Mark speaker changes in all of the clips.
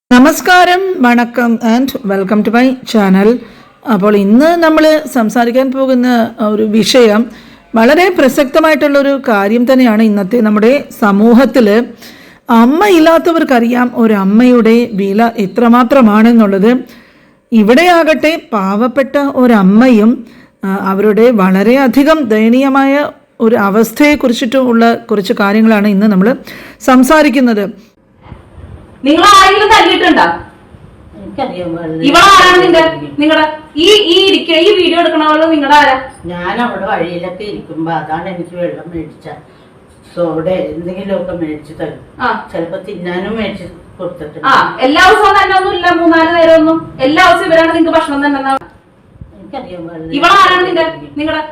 Speaker 1: നമസ്കാരം, വണക്കം and welcome to my channel. അപ്പോൾ ഇന്ന് നമ്മൾ സംസാരിക്കാൻ പോകുന്ന ഒരു വിഷയം വളരെ പ്രസക്തമായിട്ടുള്ളൊരു കാര്യം തന്നെയാണ്. ഇന്നത്തെ നമ്മുടെ സമൂഹത്തിൽ അമ്മയില്ലാത്തവർക്കറിയാം ഒരമ്മയുടെ വില എത്രമാത്രമാണെന്നുള്ളത്. ഇവിടെയാകട്ടെ പാവപ്പെട്ട ഒരമ്മയും അവരുടെ വളരെയധികം ദയനീയമായ ഒരു അവസ്ഥയെക്കുറിച്ചിട്ടുള്ള കുറച്ച് കാര്യങ്ങളാണ് ഇന്ന് നമ്മൾ സംസാരിക്കുന്നത്.
Speaker 2: നിങ്ങൾ ആരെങ്കിലും തല്ലിയിട്ടുണ്ടോ? ഇവളാരാണ് നിങ്ങളുടെ ഈ വീഡിയോ എടുക്കണവള് നിങ്ങളുടെ ആരാ?
Speaker 3: ഞാൻ അവിടെ വഴിയിലൊക്കെ ഇരിക്കുമ്പോ അതാണ് എനിക്ക് വെള്ളം മേടിച്ച സോഡ എന്തെങ്കിലുമൊക്കെ മേടിച്ചു തരും. ചിലപ്പോ തിന്നാനും മേടിച്ചു കൊടുത്തിട്ടുണ്ട്.
Speaker 2: എല്ലാ ദിവസവും തന്നെ ഒന്നും ഇല്ല, 3-4 നേരം ഒന്നും. എല്ലാ ദിവസവും ഇവരാണ് നിങ്ങൾക്ക് ഭക്ഷണം തന്നെ. ഇവളാരാണ് നിങ്ങളുടെ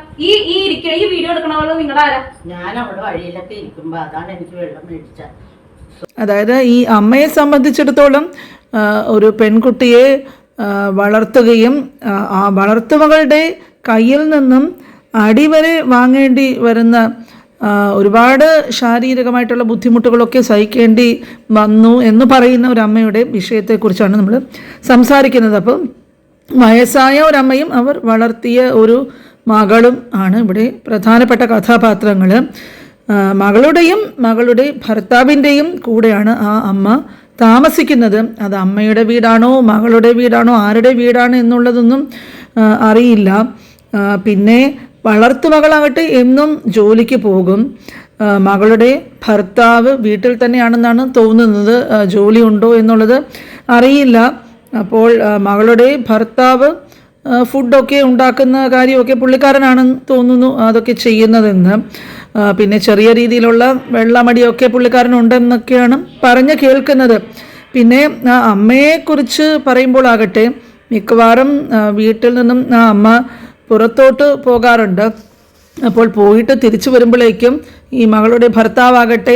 Speaker 2: ഈ വീഡിയോ എടുക്കണവള് നിങ്ങളുടെ ആരാ?
Speaker 3: ഞാൻ അവിടെ വഴിയിലൊക്കെ ഇരിക്കുമ്പോ അതാണ് എനിക്ക് വെള്ളം മേടിച്ച.
Speaker 1: അതായത് ഈ അമ്മയെ സംബന്ധിച്ചിടത്തോളം ഒരു പെൺകുട്ടിയെ വളർത്തുകയും ആ വളർത്തുമകളുടെ കയ്യിൽ നിന്നും അടിവരെ വാങ്ങേണ്ടി വരുന്ന ഒരുപാട് ശാരീരികമായിട്ടുള്ള ബുദ്ധിമുട്ടുകളൊക്കെ സഹിക്കേണ്ടി വന്നു എന്ന് പറയുന്ന ഒരു അമ്മയുടെ വിഷയത്തെക്കുറിച്ചാണ് നമ്മൾ സംസാരിക്കുന്നത്. അപ്പം വയസ്സായ ഒരമ്മയും അവർ വളർത്തിയ ഒരു മകളും ആണ് ഇവിടെ പ്രധാനപ്പെട്ട കഥാപാത്രങ്ങൾ. മകളുടെയും മകളുടെ ഭർത്താവിൻ്റെയും കൂടെയാണ് ആ അമ്മ താമസിക്കുന്നത്. അത് അമ്മയുടെ വീടാണോ മകളുടെ വീടാണോ ആരുടെ വീടാണ് എന്നുള്ളതൊന്നും അറിയില്ല. പിന്നെ വളർത്തുമകളാകട്ടെ എന്നും ജോലിക്ക് പോകും. മകളുടെ ഭർത്താവ് വീട്ടിൽ തന്നെയാണെന്നാണ് തോന്നുന്നത്. ജോലി ഉണ്ടോ എന്നുള്ളത് അറിയില്ല. അപ്പോൾ മകളുടെ ഭർത്താവ് ഫുഡൊക്കെ ഉണ്ടാക്കുന്ന കാര്യമൊക്കെ പുള്ളിക്കാരനാണെന്ന് തോന്നുന്നു അതൊക്കെ ചെയ്യുന്നതെന്ന്. പിന്നെ ചെറിയ രീതിയിലുള്ള വെള്ളമടിയൊക്കെ പുള്ളിക്കാരനുണ്ടെന്നൊക്കെയാണ് പറഞ്ഞ് കേൾക്കുന്നത്. പിന്നെ ആ അമ്മയെക്കുറിച്ച് പറയുമ്പോൾ ആകട്ടെ മിക്കവാറും വീട്ടിൽ നിന്നും ആ അമ്മ പുറത്തോട്ട് പോകാറുണ്ട്. അപ്പോൾ പോയിട്ട് തിരിച്ചു വരുമ്പോഴേക്കും ഈ മകളുടെ ഭർത്താവാകട്ടെ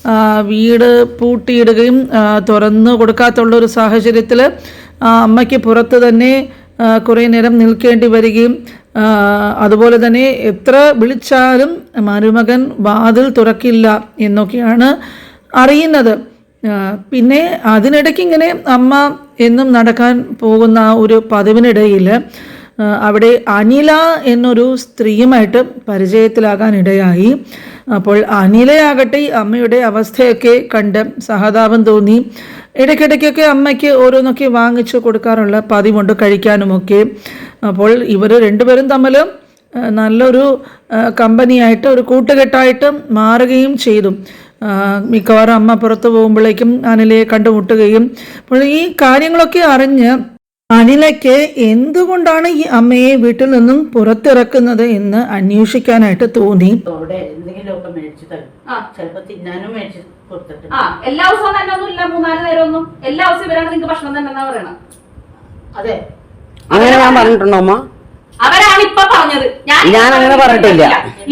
Speaker 1: വീട് പൂട്ടിയിടുകയും തുറന്നു കൊടുക്കാത്തുള്ളൊരു സാഹചര്യത്തിൽ ആ അമ്മയ്ക്ക് പുറത്ത് തന്നെ കുറേ നേരം നിൽക്കേണ്ടി വരികയും അതുപോലെ തന്നെ എത്ര വിളിച്ചാലും മരുമകൻ വാതിൽ തുറക്കില്ല എന്നൊക്കെയാണ് അറിയുന്നത്. പിന്നെ അതിനിടയ്ക്ക് ഇങ്ങനെ അമ്മ എന്നും നടക്കാൻ പോകുന്ന ഒരു പതിവിനിടയിൽ അവിടെ അനില എന്നൊരു സ്ത്രീയുമായിട്ട് പരിചയത്തിലാകാൻ ഇടയായി. അപ്പോൾ അനിലയാകട്ടെ അമ്മയുടെ അവസ്ഥയൊക്കെ കണ്ട് സഹതാപം തോന്നി. ഇടയ്ക്കിടയ്ക്കൊക്കെ അമ്മയ്ക്ക് ഓരോന്നൊക്കെ വാങ്ങിച്ചു കൊടുക്കാറുള്ള പതിവുണ്ട്, കഴിക്കാനുമൊക്കെ. അപ്പോൾ ഇവർ രണ്ടുപേരും തമ്മിൽ നല്ലൊരു കമ്പനിയായിട്ട് ഒരു കൂട്ടുകെട്ടായിട്ട് മാറുകയും ചെയ്തു. മിക്കവാറും അമ്മ പുറത്തു പോകുമ്പോഴേക്കും അനിലയെ കണ്ടുമുട്ടുകയും അപ്പോൾ ഈ കാര്യങ്ങളൊക്കെ അറിഞ്ഞ് അനിലയ്ക്ക് എന്തുകൊണ്ടാണ് ഈ അമ്മയെ വീട്ടിൽ നിന്നും പുറത്തിറക്കുന്നത് എന്ന് അന്വേഷിക്കാനായിട്ട് തോന്നി.
Speaker 3: എന്തെങ്കിലുമൊക്കെ മേടിച്ചു തരും. ചിലപ്പോ തിന്നാനും മേടിച്ചു കൊടുത്തിട്ടുണ്ട്.
Speaker 2: എല്ലാ ദിവസവും തന്നെ ഒന്നും ഇല്ല, 3-4 നേരം ഒന്നും. എല്ലാ ദിവസവും ഇവരാണ് നിങ്ങൾക്ക് ഭക്ഷണം തന്നെ പറയണം.
Speaker 3: അതെ,
Speaker 4: അങ്ങനെ ഞാൻ പറഞ്ഞിട്ടുണ്ടോ അമ്മ?
Speaker 2: അവരാണ് ഇപ്പൊ പറഞ്ഞത്.
Speaker 4: ഞാൻ അങ്ങനെ പറഞ്ഞിട്ടില്ല.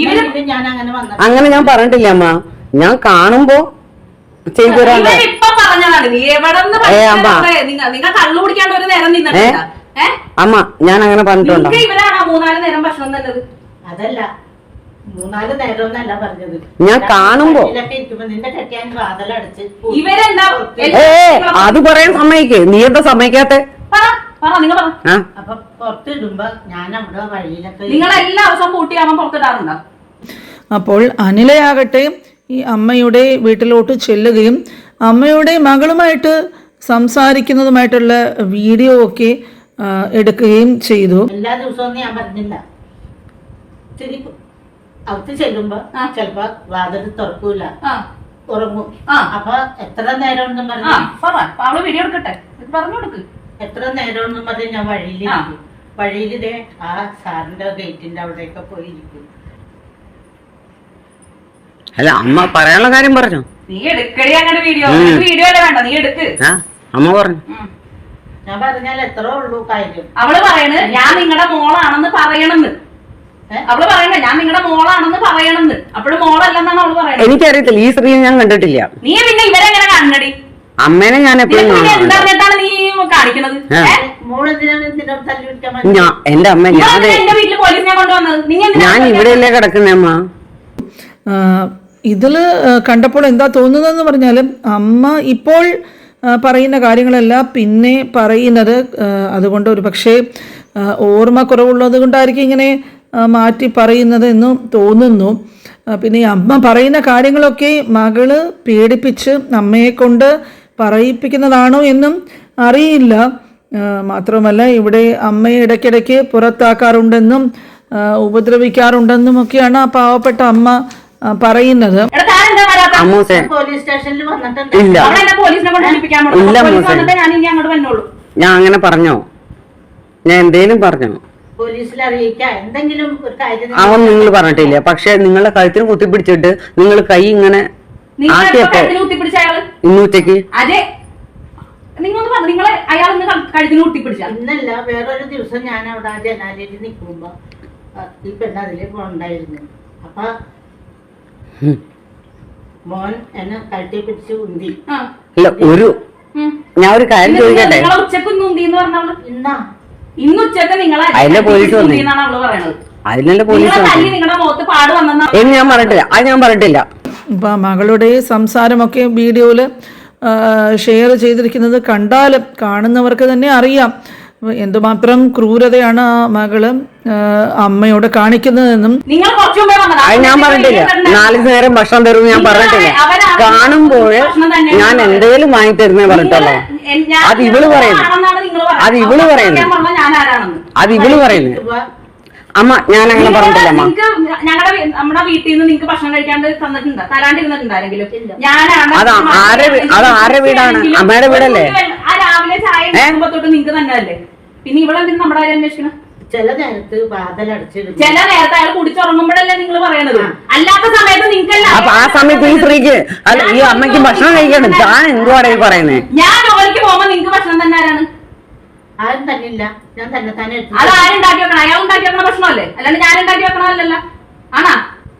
Speaker 4: അങ്ങനെ ഞാൻ പറഞ്ഞിട്ടില്ല അമ്മ. ഞാൻ കാണുമ്പോ ചെയ്തു തരാണ്ട് അമ്മ. ഞാൻ അങ്ങനെ പറഞ്ഞിട്ടുണ്ടോ?
Speaker 2: ഇവരാണ് 3-4 നേരം ഭക്ഷണം തന്നത്.
Speaker 3: അതല്ല, 3-4 നേരമൊന്നല്ല പറഞ്ഞത്.
Speaker 4: ഞാൻ കാണുമ്പോ
Speaker 2: ഇവരെന്താ
Speaker 4: അത് പറയാൻ സമ്മതിക്കേ? നീ എന്താ സമ്മതിക്കാത്തെ?
Speaker 3: അപ്പൊ പുറത്തിടുമ്പോ ഞാൻ അവിടെ വഴിയിലൊക്കെ
Speaker 2: നിങ്ങൾ എല്ലാ ദിവസവും കൂട്ടിയാകുമ്പോ പുറത്തിടാറുണ്ടോ?
Speaker 1: അപ്പോൾ അനിലയാകട്ടെ ഈ അമ്മയുടെ വീട്ടിലോട്ട് ചെല്ലുകയും അമ്മയുടെ മകളുമായിട്ട് സംസാരിക്കുന്നതുമായിട്ടുള്ള വീഡിയോ ഒക്കെ എടുക്കുകയും ചെയ്തു.
Speaker 3: എല്ലാ ദിവസവും ഞാൻ പറഞ്ഞില്ല. അവത്ത് ചെല്ലുമ്പോ ചെലപ്പോ വാതിൽ തുറക്കൂല, ഉറങ്ങും. അപ്പൊ എത്ര നേരം ഒന്നും
Speaker 2: പറഞ്ഞു വീഡിയോ എടുക്കട്ടെ, പറഞ്ഞു കൊടുക്ക്.
Speaker 3: എത്ര നേരം ഒന്നും പറഞ്ഞ് ഞാൻ വഴിയിലിതേ ആ സാറിന്റെ ഗേറ്റിന്റെ അവിടെയൊക്കെ പോയിരിക്കും.
Speaker 4: അല്ല അമ്മ പറയാനുള്ള കാര്യം പറഞ്ഞു.
Speaker 2: നീ എടുക്കടി അങ്ങനെ വീഡിയോ വേണ്ട, നീ എടുക്ക്.
Speaker 4: അമ്മ പറഞ്ഞു.
Speaker 3: ഞാൻ പറഞ്ഞാൽ എത്ര ഉള്ളൂ കാര്യം.
Speaker 2: അവള് പറയണ് ഞാൻ നിങ്ങളുടെ മോളാണെന്ന് പറയണെന്ന്. അവള് പറയണേ ഞാൻ നിങ്ങളുടെ മോളാണെന്ന് പറയണെന്ന്. അപ്പോഴും മോളല്ലെന്നാണ് അവള് പറയണത്.
Speaker 4: എനിക്കറിയത്തില്ല, ഈ സ്ത്രീയെ ഞാൻ കണ്ടിട്ടില്ല.
Speaker 2: നീ പിന്നെ ഇവരെങ്ങനെ കാണണടി?
Speaker 4: അമ്മേനെ ഞാൻ എപ്പോഴും
Speaker 2: എന്താണെന്നിട്ടാണ് നീ കാണിക്കണത്?
Speaker 4: എന്റെ അമ്മ
Speaker 2: എന്റെ വീട്ടില് പോലീസിനെ കൊണ്ടുവന്നത്
Speaker 4: ഞാൻ ഇവിടെയല്ലേ കിടക്കുന്നേ അമ്മ.
Speaker 1: ഇതിൽ കണ്ടപ്പോൾ എന്താ തോന്നുന്നതെന്ന് പറഞ്ഞാൽ അമ്മ ഇപ്പോൾ പറയുന്ന കാര്യങ്ങളെല്ലാം പിന്നെ പറയുന്നത്. അതുകൊണ്ട് ഒരു പക്ഷേ ഓർമ്മ കുറവുള്ളത് കൊണ്ടായിരിക്കും ഇങ്ങനെ മാറ്റി പറയുന്നത് എന്ന് തോന്നുന്നു. പിന്നെ ഈ അമ്മ പറയുന്ന കാര്യങ്ങളൊക്കെ മകള് പേടിപ്പിച്ച് അമ്മയെ കൊണ്ട് പറയിപ്പിക്കുന്നതാണോ എന്നും അറിയില്ല. മാത്രമല്ല ഇവിടെ അമ്മയെ ഇടയ്ക്കിടയ്ക്ക് പുറത്താക്കാറുണ്ടെന്നും ഉപദ്രവിക്കാറുണ്ടെന്നും ഒക്കെയാണ് ആ പാവപ്പെട്ട അമ്മ പറയുന്നത്.
Speaker 3: പോലീസ് സ്റ്റേഷനിൽ വന്നിട്ടുണ്ട്.
Speaker 4: ഇല്ല
Speaker 2: പോലീസിനെ കൊണ്ട് ഏൽപ്പിക്കാൻ
Speaker 4: ഇല്ല
Speaker 2: പോലീസ്
Speaker 4: മോശം.
Speaker 2: വന്നിട്ട് ഞാൻ ഇനി അങ്ങോട്ട് വന്നോളൂ.
Speaker 4: ഞാൻ അങ്ങനെ പറഞ്ഞോ? ഞാൻ എന്തേലും പറഞ്ഞോ?
Speaker 3: പോലീസിൽ അറിയിക്കാം എന്തെങ്കിലും ഒരു കാര്യം.
Speaker 4: അവൻ നിങ്ങൾ പറഞ്ഞിട്ടില്ല. പക്ഷെ നിങ്ങളെ കഴുത്തിന് കുത്തിപ്പിടിച്ചിട്ട് നിങ്ങൾ കൈ ഇങ്ങനെ ആക്കിയപ്പോ
Speaker 2: കുത്തിപ്പിടിച്ച അയാള്
Speaker 4: ഇന്ന് ഉച്ചക്ക്
Speaker 2: അതെ നിങ്ങളൊന്ന് പറഞ്ഞു. നിങ്ങളെ അയാൾ ഇന്ന് കഴുത്തിന് കുത്തിപ്പിടിച്ച
Speaker 3: ഇന്നല്ല വേറൊരു ദിവസം ഞാൻ അവിടെ ആ ജനാലയിൽ നിൽക്കുമ്പോ ഈ പെണ്ണ് അതിലേ പോണ്ടായിരുന്നു. അപ്പൊ മോൻ എന്നെ കഴുത്തി പിടിച്ച് ഉന്തി.
Speaker 4: അല്ല ഒരു ഞാൻ ഒരു കാര്യം ചോദിക്കട്ടെ.
Speaker 2: നിങ്ങളെ ഉച്ചക്ക് ഉന്തി എന്ന് പറഞ്ഞവള്
Speaker 3: ഇന്നാ
Speaker 2: ഇന്ന് ഉച്ചക്ക് നിങ്ങളെ
Speaker 4: അതിലെ പോലീസ് വന്നു.
Speaker 2: എന്നാണ് അവള് പറയണത്.
Speaker 4: അതിനല്ലേ പോലീസ്
Speaker 2: നിങ്ങളെ തല്ലി നിങ്ങളുടെ മുഖത്ത് പാട് വന്നെന്നാ
Speaker 4: എന്ന് ഞാൻ പറഞ്ഞിട്ടില്ല. അത് ഞാൻ പറഞ്ഞിട്ടില്ല.
Speaker 1: ഇപ്പം മകളുടെ സംസാരമൊക്കെ വീഡിയോയിൽ ഷെയർ ചെയ്തിരിക്കുന്നത് കണ്ടാൽ കാണുന്നവർക്ക് തന്നെ അറിയാം എന്തുമാത്രം ക്രൂരതയാണ് ആ മകള് അമ്മയോട് കാണിക്കുന്നതെന്നും.
Speaker 2: നിങ്ങൾ കുറച്ചു മുമ്പേ വന്നതാ.
Speaker 4: അത് ഞാൻ പറഞ്ഞിട്ടില്ല. 4 നേരം ഭക്ഷണം തരുമെന്ന് ഞാൻ പറഞ്ഞിട്ടില്ല. കാണുമ്പോൾ ഞാൻ എന്തേലും വാങ്ങി തരുന്നേ പറഞ്ഞിട്ടുള്ളൂ. അത് ഇവള് പറയുന്നു. അത് ഇവള് പറയുന്നു. അത് ഇവള് പറയുന്നു. അമ്മ ഞാൻ അങ്ങനെ പറഞ്ഞിട്ടില്ല. അമ്മ
Speaker 2: ഞങ്ങളുടെ നമ്മുടെ വീട്ടിൽ നിന്ന് നിങ്ങൾക്ക് ഭക്ഷണം കഴിക്കാണ്ട് തന്നിട്ടുണ്ട് തരാണ്ടിരുന്നിട്ടുണ്ട് ആരെങ്കിലും? ഞാനാണ്.
Speaker 4: അത് ആരുടെ വീടാണ്? അമ്മയുടെ വീടല്ലേ?
Speaker 2: ആ രാവിലെ ചായ ഉണ്ടാക്കുമ്പോ തൊട്ട് നിങ്ങൾക്ക് തന്നെ അല്ലേ? പിന്നെ ഇവിടെ എന്തിനും നമ്മുടെ കാര്യം അന്വേഷിക്കണം?
Speaker 3: ചില നേരത്ത് വാതിലടച്ചിടും.
Speaker 2: ചില നേരത്തെ അയാൾ കുടിച്ചുറങ്ങുമ്പോഴല്ലേ നിങ്ങൾ പറയണത്. അല്ലാത്ത സമയത്ത് നിങ്ങൾക്ക്
Speaker 4: അപ്പൊ ആ സമയത്ത് ഈ സ്ത്രീക്ക് അല്ല ഈ അമ്മയ്ക്ക് ഭക്ഷണം കഴിക്കണം. ഞാൻ എന്തുവാണ് ഈ പറയുന്നത്?
Speaker 2: ഞാൻ ജോലിക്ക് പോകുമ്പോ നിങ്ങൾക്ക് ഭക്ഷണം തന്നെ ആരാണ്?
Speaker 3: ആരും തന്നില്ല. ഞാൻ തന്നെ തന്നെ
Speaker 2: അത് ആരുണ്ടാക്കി വെക്കണം? അയാൾ ഉണ്ടാക്കി വെക്കണ ഭക്ഷണമല്ലേ? അല്ലാണ്ട് ഞാൻ ഉണ്ടാക്കി വെക്കണമല്ലല്ലോ. ആണാ?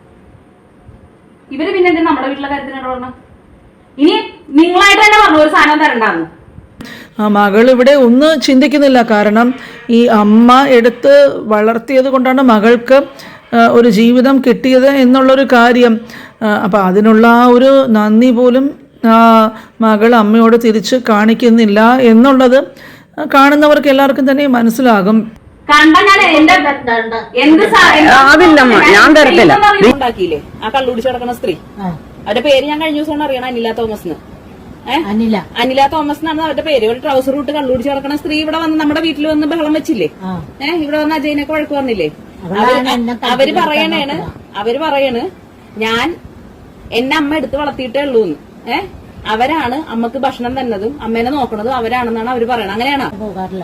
Speaker 2: ഇവര് പിന്നെ എന്തിനാ നമ്മുടെ വീട്ടിലെ കാര്യത്തിനാണ് പറഞ്ഞത്? ഇനി നിങ്ങളായിട്ട് തന്നെ പറഞ്ഞു ഒരു സാധനം തരണ്ടാന്ന്.
Speaker 1: ആ മകൾ ഇവിടെ ഒന്നും ചിന്തിക്കുന്നില്ല. കാരണം ഈ അമ്മ എടുത്ത് വളർത്തിയത് കൊണ്ടാണ് മകൾക്ക് ഒരു ജീവിതം കിട്ടിയത് എന്നുള്ളൊരു കാര്യം. അപ്പം അതിനുള്ള ആ ഒരു നന്ദി പോലും മകൾ അമ്മയോട് തിരിച്ച് കാണിക്കുന്നില്ല എന്നുള്ളത് കാണുന്നവർക്ക് എല്ലാവർക്കും തന്നെ മനസ്സിലാകും.
Speaker 4: അതില്ലമ്മ ഞാൻ തരത്തില്ല.
Speaker 2: ഉണ്ടാക്കിയില്ലേ ആ കള്ളുടിച്ച് കിടക്കുന്ന സ്ത്രീ? അവരുടെ പേര് ഞാൻ കഴിഞ്ഞ ദിവസമാണ് അറിയണം. അനില തോമസ്. അനില തോമസ് എന്നാണ് അവരുടെ പേര്. ഒരു ട്രൗസർ ഇട്ട് കള്ളുടിച്ച് കിടക്കുന്ന സ്ത്രീ ഇവിടെ വന്ന് നമ്മുടെ വീട്ടിൽ വന്ന് ബഹളം വെച്ചില്ലേ? ഇവിടെ വന്ന് അജയനൊക്കെ വഴക്ക് പറഞ്ഞില്ലേ? അവര് പറയാണ് ഞാൻ എന്നെ അമ്മ എടുത്ത് വളർത്തിയിട്ടേ ഉള്ളൂന്ന്. അവരാണ് അമ്മക്ക് ഭക്ഷണം തന്നതും അമ്മേനെ നോക്കണതും അവരാണെന്നാണ് അവര് പറയണത്. അങ്ങനെയാണോ?
Speaker 3: പോകാറില്ല.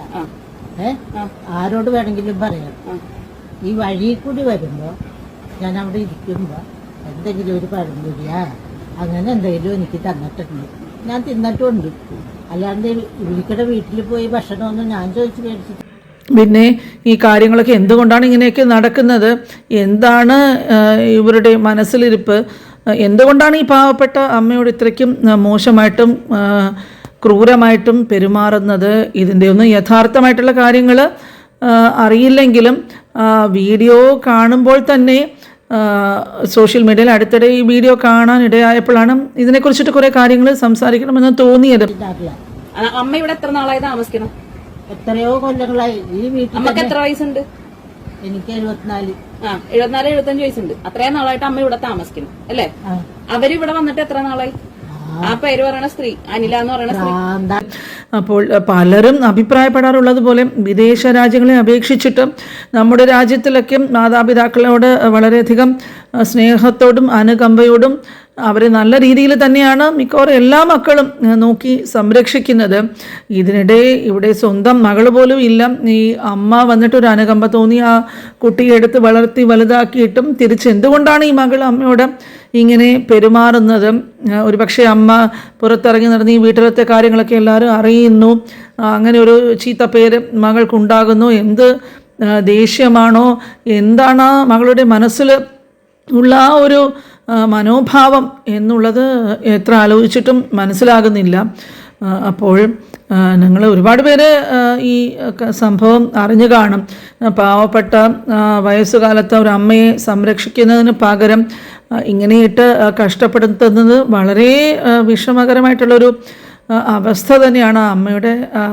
Speaker 3: ആരോട് വേണമെങ്കിലും പറയാം. ഈ വഴിയിൽ കൂടി വരുമ്പോ ഞാൻ അവിടെ ഇരിക്കുമ്പോ എന്തെങ്കിലും ഒരു പഴംപൊരിയാ അങ്ങനെ എന്തെങ്കിലും എനിക്ക് തന്നിട്ടുണ്ട്. ഞാൻ തിന്നിട്ടുണ്ട്. അല്ലാണ്ട് ഇവരിക്കടെ വീട്ടിൽ പോയി ഭക്ഷണമൊന്നും ഞാൻ ചോദിച്ചു മേടിച്ചിട്ട്.
Speaker 1: പിന്നെ ഈ കാര്യങ്ങളൊക്കെ എന്തുകൊണ്ടാണ് ഇങ്ങനെയൊക്കെ നടക്കുന്നത്? എന്താണ് ഇവരുടെ മനസ്സിലിരിപ്പ്? എന്തുകൊണ്ടാണ് ഈ പാവപ്പെട്ട അമ്മയോട് ഇത്രയ്ക്കും മോശമായിട്ടും ക്രൂരമായിട്ടും പെരുമാറുന്നത്? ഇതിൻ്റെ ഒന്നും യഥാർത്ഥമായിട്ടുള്ള കാര്യങ്ങൾ അറിയില്ലെങ്കിലും വീഡിയോ കാണുമ്പോൾ തന്നെ സോഷ്യൽ മീഡിയയിൽ അടുത്തിടെ ഈ വീഡിയോ കാണാൻ ഇടയായപ്പോഴാണ് ഇതിനെക്കുറിച്ചിട്ട് കുറേ കാര്യങ്ങൾ സംസാരിക്കണമെന്ന് തോന്നിയത്.
Speaker 2: അമ്മ ഇവിടെ എത്ര നാളായി താമസിക്കണം?
Speaker 3: എത്രയോ കൊല്ലങ്ങളായി ഈ വീട്ടിൽ.
Speaker 2: അമ്മക്ക് എത്ര വയസ്സുണ്ട്?
Speaker 3: എനിക്ക് 74.
Speaker 2: 74-75 വയസ്സുണ്ട്. അത്രയും നാളായിട്ട് അമ്മ ഇവിടെ താമസിക്കണം അല്ലേ? അവരിവിടെ വന്നിട്ട് എത്ര നാളായി? ആ പേര് പറയണ സ്ത്രീ അനില എന്ന് പറയുന്ന സ്ത്രീ.
Speaker 1: അപ്പോൾ പലരും അഭിപ്രായപ്പെടാറുള്ളത് പോലെ വിദേശ രാജ്യങ്ങളെ അപേക്ഷിച്ചിട്ട് നമ്മുടെ രാജ്യത്തിലൊക്കെ മാതാപിതാക്കളോട് വളരെയധികം സ്നേഹത്തോടും അനുകമ്പയോടും അവരെ നല്ല രീതിയിൽ തന്നെയാണ് മിക്കവാറും എല്ലാ മക്കളും നോക്കി സംരക്ഷിക്കുന്നത്. ഇതിനിടെ ഇവിടെ സ്വന്തം മകൾ പോലും ഇല്ല. ഈ അമ്മ വന്നിട്ടൊരു അനുകമ്പ തോന്നി ആ കുട്ടിയെ എടുത്ത് വളർത്തി വലുതാക്കിയിട്ടും തിരിച്ച് എന്തുകൊണ്ടാണ് ഈ മകൾ അമ്മയോട് ഇങ്ങനെ പെരുമാറുന്നത്? ഒരുപക്ഷെ അമ്മ പുറത്തിറങ്ങി നടന്ന് ഈ വീട്ടിലത്തെ കാര്യങ്ങളൊക്കെ എല്ലാവരും അറിയുന്നു. അങ്ങനെ ഒരു ചീത്ത പേര് മകൾക്കുണ്ടാകുന്നു. എന്ത് ദേഷ്യമാണോ എന്താണ് മകളുടെ മനസ്സിൽ ഉള്ള ആ ഒരു മനോഭാവം എന്നുള്ളത് എത്ര ആലോചിച്ചിട്ടും മനസ്സിലാകുന്നില്ല. അപ്പോൾ നിങ്ങൾ ഒരുപാട് പേര് ഈ സംഭവം അറിഞ്ഞു കാണും. പാവപ്പെട്ട വയസ്സുകാലത്ത് ഒരു അമ്മയെ സംരക്ഷിക്കുന്നതിന് പകരം ഇങ്ങനെയിട്ട് കഷ്ടപ്പെടുത്തുന്നത് വളരെ വിഷമകരമായിട്ടുള്ളൊരു അവസ്ഥ തന്നെയാണ് ആ അമ്മയുടെ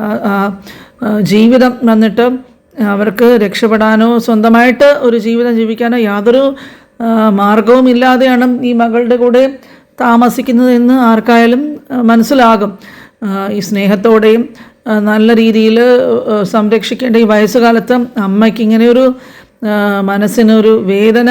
Speaker 1: ജീവിതം വന്നിട്ട്. അവർക്ക് രക്ഷപ്പെടാനോ സ്വന്തമായിട്ട് ഒരു ജീവിതം ജീവിക്കാനോ യാതൊരു മാർഗവും ഇല്ലാതെയാണ് ഈ മകളുടെ കൂടെ താമസിക്കുന്നതെന്ന് ആർക്കായാലും മനസ്സിലാകും. ഈ സ്നേഹത്തോടെയും നല്ല രീതിയിൽ സംരക്ഷിക്കേണ്ട ഈ വയസ്സുകാലത്ത് അമ്മയ്ക്ക് ഇങ്ങനെയൊരു മനസ്സിനൊരു വേദന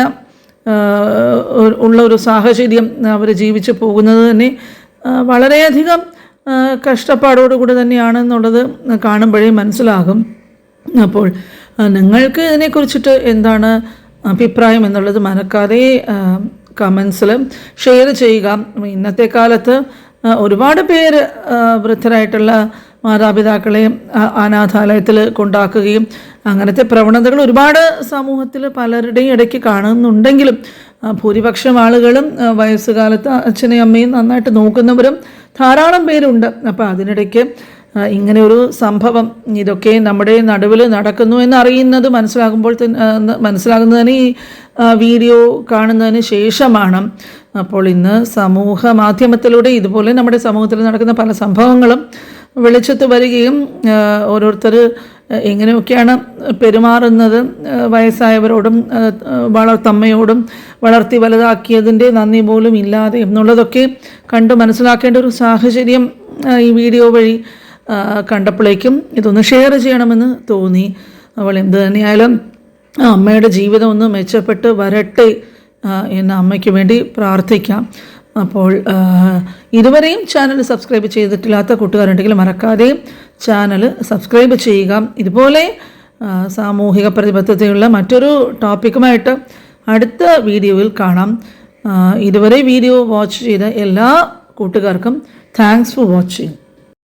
Speaker 1: ഉള്ള ഒരു സാഹചര്യം അവർ ജീവിച്ചു പോകുന്നത് തന്നെ വളരെയധികം കഷ്ടപ്പാടോടുകൂടി തന്നെയാണെന്നുള്ളത് കാണുമ്പോഴേ മനസ്സിലാകും. അപ്പോൾ നിങ്ങൾക്ക് ഇതിനെക്കുറിച്ചിട്ട് എന്താണ് അഭിപ്രായം എന്നുള്ളത് മറക്കാതെ കമൻസിൽ ഷെയർ ചെയ്യുക. ഇന്നത്തെ കാലത്ത് ഒരുപാട് പേര് വൃദ്ധരായിട്ടുള്ള മാതാപിതാക്കളെ അനാഥാലയത്തിൽ കൊണ്ടാക്കുകയും അങ്ങനത്തെ പ്രവണതകൾ ഒരുപാട് സമൂഹത്തിൽ പലരുടെയും ഇടയ്ക്ക് കാണുന്നുണ്ടെങ്കിലും ഭൂരിപക്ഷം ആളുകളും വയസ്സുകാലത്ത് അച്ഛനെയും അമ്മയും നന്നായിട്ട് നോക്കുന്നവരും ധാരാളം പേരുണ്ട്. അപ്പോൾ അതിനിടയ്ക്ക് ഇങ്ങനെ ഒരു സംഭവം ഇതൊക്കെ നമ്മുടെ നടുവിൽ നടക്കുന്നു എന്നറിയുന്നത് മനസ്സിലാകുന്നതിന് ഈ വീഡിയോ കാണുന്നതിന് ശേഷമാണ്. അപ്പോൾ ഇന്ന് സമൂഹ മാധ്യമത്തിലൂടെ ഇതുപോലെ നമ്മുടെ സമൂഹത്തിൽ നടക്കുന്ന പല സംഭവങ്ങളും വെളിച്ചത്ത് വരികയും ഓരോരുത്തർ എങ്ങനെയൊക്കെയാണ് പെരുമാറുന്നത്, വയസ്സായവരോടും തമ്മയോടും വളർത്തി വലുതാക്കിയതിൻ്റെ നന്ദി പോലും ഇല്ലാതെ എന്നുള്ളതൊക്കെ കണ്ട് മനസ്സിലാക്കേണ്ട ഒരു സാഹചര്യം ഈ വീഡിയോ വഴി കണ്ടപ്പോഴേക്കും ഇതൊന്ന് ഷെയർ ചെയ്യണമെന്ന് തോന്നി. അവൾ എന്ത് തന്നെയായാലും അമ്മയുടെ ജീവിതം ഒന്ന് മെച്ചപ്പെട്ട് വരട്ടെ എന്ന് അമ്മയ്ക്ക് വേണ്ടി പ്രാർത്ഥിക്കാം. അപ്പോൾ ഇതുവരെയും ചാനൽ സബ്സ്ക്രൈബ് ചെയ്തിട്ടില്ലാത്ത കൂട്ടുകാരുണ്ടെങ്കിൽ മറക്കാതെ ചാനൽ സബ്സ്ക്രൈബ് ചെയ്യുക. ഇതുപോലെ സാമൂഹിക പ്രതിബദ്ധതയുള്ള മറ്റൊരു ടോപ്പിക്കുമായിട്ട് അടുത്ത വീഡിയോയിൽ കാണാം. ഇതുവരെ വീഡിയോ വാച്ച് ചെയ്ത എല്ലാ കൂട്ടുകാർക്കും താങ്ക്സ് ഫോർ വാച്ചിങ്.